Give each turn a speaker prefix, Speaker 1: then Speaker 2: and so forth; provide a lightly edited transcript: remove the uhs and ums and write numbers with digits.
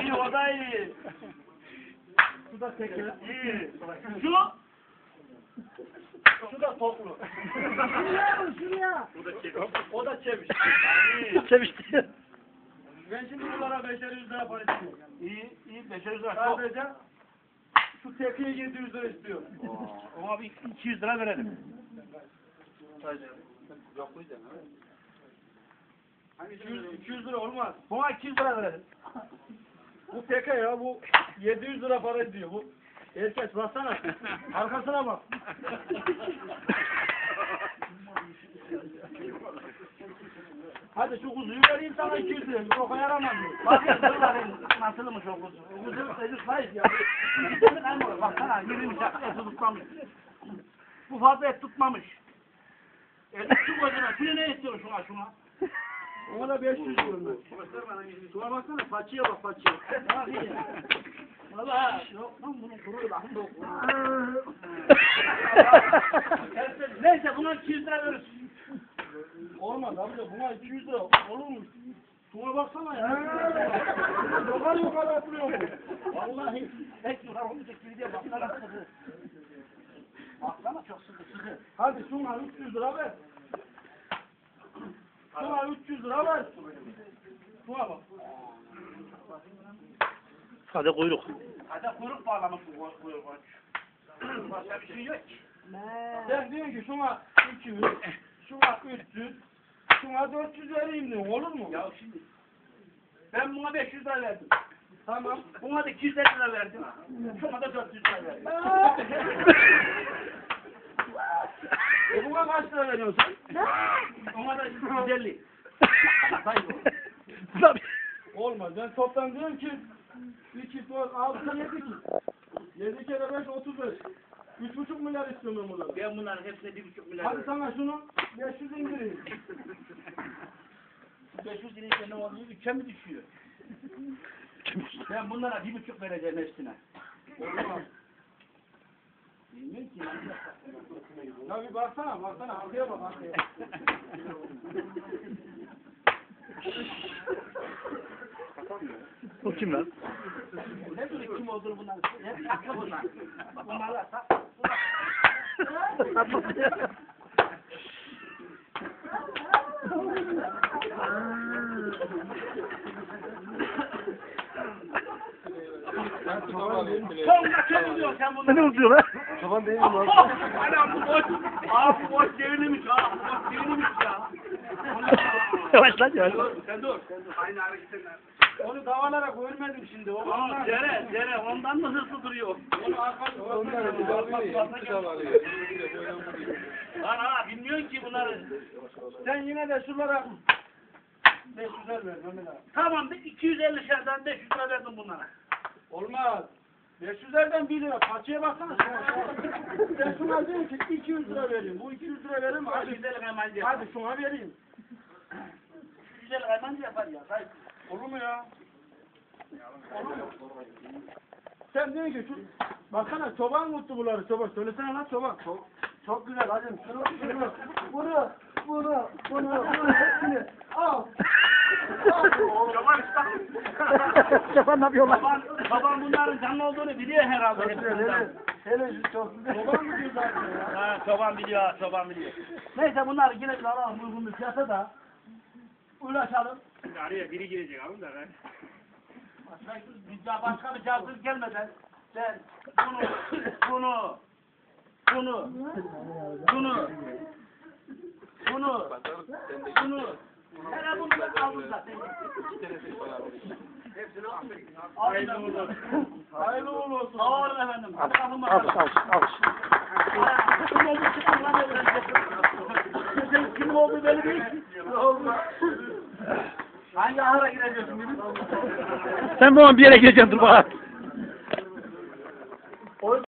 Speaker 1: iyi, o da iyi. Şu da teker. İyi. Şu da toplu.
Speaker 2: Şuraya.
Speaker 1: O da çeviş.
Speaker 3: Çevişti.
Speaker 1: Ben şimdi bunlara 500 lira para istiyorum.
Speaker 3: İyi, iyi. 500 lira.
Speaker 1: Sadece şu tekeye 700 lira istiyorum.
Speaker 3: Ona bir 200 lira verelim.
Speaker 1: Yok bu yüzden. 200 lira olmaz.
Speaker 3: Buna 200 lira verelim.
Speaker 1: Bu teke ya bu 700 lira para ediyor bu. Herkes baksana. Arkasına bak. Hadi şu kuzuyu vereyim sana 200 lira. Çok yaramaz mı?
Speaker 3: Bakın nasılmış o kuzu? O kuzu sayıs ya. Baksana 20 et tutmamış. Bu fazla et tutmamış. Şu gözüne, şunu ne istiyorsun şuna?
Speaker 1: Ona da 500 diyorum ben. Şuna baksana paçıya bak paçıya.
Speaker 3: Valla yok lan bunun kuru lan. Neyse buna 200 lira veririz.
Speaker 1: Olmaz abi de buna 200 lira olur mu? Şuna baksana ya. Yukarı atılıyor bu.
Speaker 3: Vallahi pek yukarı olmayacak gibi diye baksana sıkı. Baksana çok sıkı.
Speaker 1: Hadi şuna 300 lira ver. Şuna 300 lira ver. Şuna bak.
Speaker 3: Hadi kuyruk. Hadi kuyruk bağlamış bu kuyruk. Başka bir şey yok ki.
Speaker 1: Sen diyorsun ki şuna 200, şuna 300, şuna 400 vereyim diyorsun, olur mu?
Speaker 3: Ya şimdi ben buna 500 lira verdim.
Speaker 1: Tamam.
Speaker 3: Buna da 250 lira verdim. Şuna da 400 lira verdim.
Speaker 1: Buna kaç lira veriyorsun sen?
Speaker 3: Ona da 150.
Speaker 1: Olmaz. Ben toptan diyorum ki 2, 4, 6, 7 ki. 7 kere 5, 35. 3,5 milyar istiyorum ben bunları.
Speaker 3: Ben bunların hepsine 1,5 milyar
Speaker 1: Hadi
Speaker 3: verdim.
Speaker 1: sana şunu 500 indireyim.
Speaker 3: 500 lirayla ne oluyor? 3'e mi düşüyor? Ben bunlara 1,5 vereceğim hepsine.
Speaker 1: Olmaz.
Speaker 3: Bilmiyorum ki.
Speaker 1: Ya bir baksana arkaya bak arkaya.
Speaker 3: Bu kim lan? Ne bileyim kim olduğunu bunlar. Hep aklı bunlar. Bunlarla Sonunda çeviriyor sen bunları.
Speaker 2: Ne oluyor lan?
Speaker 1: Çoban değil mi lan?
Speaker 3: Hala bu boş. Aa bu boş devrilmiş ha. Bu boş devrilmiş ya.
Speaker 2: Yavaş lan yavaş.
Speaker 3: Sen dur. Aynı hareketler.
Speaker 1: Onu davalarak ölmedim şimdi.
Speaker 3: Aa Cere ondan mı hızlı duruyor?
Speaker 1: Onu arkadaşlar.
Speaker 3: Lan ha bilmiyorsun ki bunları.
Speaker 1: Sen yine de şunlara 500 ver Mehmet abi.
Speaker 3: Tamam 250 şerden 500 lira verdim bunlara.
Speaker 1: Olmaz. 500'lerden 1 lira. Parçaya baksana. Ben şuna diyorum ki 200 lira vereyim. Bu 200 lira vereyim mi?
Speaker 3: Hadi güzel kaymancı.
Speaker 1: Hadi şuna vereyim.
Speaker 3: Güzel kaymancı yapar ya. Hayır.
Speaker 1: Olur mu ya? Olur mu? Sen diyorsun ki şu baksana çoban mutlu bunları çoban. Söylesene lan çoban. Çok güzel hadi bunu hepsini al.
Speaker 3: Çoban
Speaker 2: Şapan ne yapıyorlar?
Speaker 3: Babam bunların canlı olduğunu biliyor herhalde.
Speaker 1: Hele çok güzel. Çoban mı diyor zaten ya?
Speaker 3: Ha çoban biliyor. Neyse bunları yine bir alalım uygun bir fiyata da ulaşalım.
Speaker 4: Araya biri girecek abi da ben.
Speaker 3: Başka bir cazır gelmeden sen bunu hele bunu da aldın zaten.
Speaker 1: Hayırlı olsun. Hayırlı olsun.
Speaker 3: Sağ olun efendim. Hadi kalkın
Speaker 2: Al
Speaker 3: bakalım. Kim oldu çıkın lan öğrenecek. Kim oldu belli değil. Hangi ahıra gireceğiz şimdi?
Speaker 2: Sen bu an bir yere gireceksin dur bak.